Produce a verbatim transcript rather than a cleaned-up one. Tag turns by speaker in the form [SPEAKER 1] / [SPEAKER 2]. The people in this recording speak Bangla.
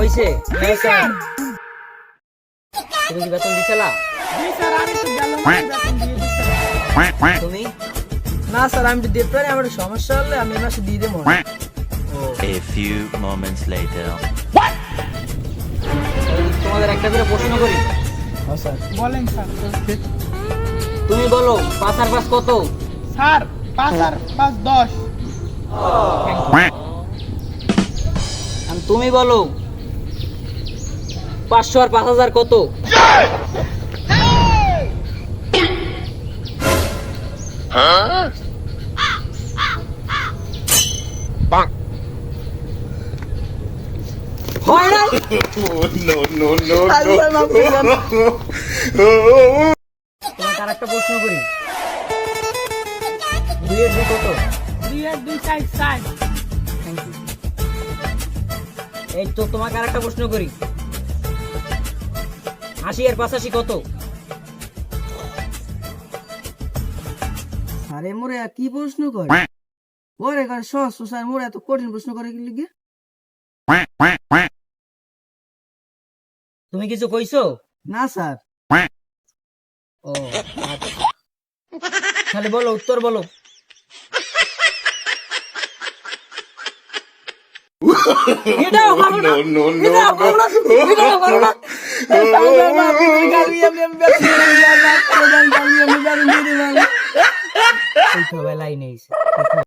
[SPEAKER 1] হইছে?
[SPEAKER 2] জি স্যার।
[SPEAKER 1] তুমি কি বেতন দিছিলা?
[SPEAKER 2] জি স্যার, আমি তো গেলাম বেতন দিয়ে দিচ্ছি।
[SPEAKER 1] তুমি?
[SPEAKER 2] না স্যার, আমি তো দিতে পারি, আমার সমস্যা হলে আমি এই মাসে দিয়ে দেবো।
[SPEAKER 1] ও
[SPEAKER 3] A few moments later.
[SPEAKER 1] তোমাদের একটা করে প্রশ্ন করি।
[SPEAKER 2] স্যার বলেন স্যার।
[SPEAKER 1] তুমি বলো পাঁচ আর পাঁচ কত?
[SPEAKER 2] স্যার পাঁচ আর পাঁচ দশ।
[SPEAKER 1] আর তুমি বলো পাঁচশো আর পাঁচ হাজার কত? হয় না? তোমাকে আর একটা প্রশ্ন করি। দুইয়ের দুই কত?
[SPEAKER 2] দুই আর দুই চার চার।
[SPEAKER 1] Thank you. এই তো তোমাকে আর একটা প্রশ্ন করি। আশি আর পাঁচাশি কত?
[SPEAKER 2] আরে মোরে আর কি প্রশ্ন করে? ওরে করে সহজ স্যার, মোরে এত কঠিন প্রশ্ন করে কি লিগে?
[SPEAKER 1] তুমি কিছু কইছো?
[SPEAKER 2] না স্যার।
[SPEAKER 1] ও আচ্ছা। তাহলে বলো, উত্তর বলো। এটাও পারো না। এটাও পারো না। এটাও পারো না। এই তো বেলায় নেই।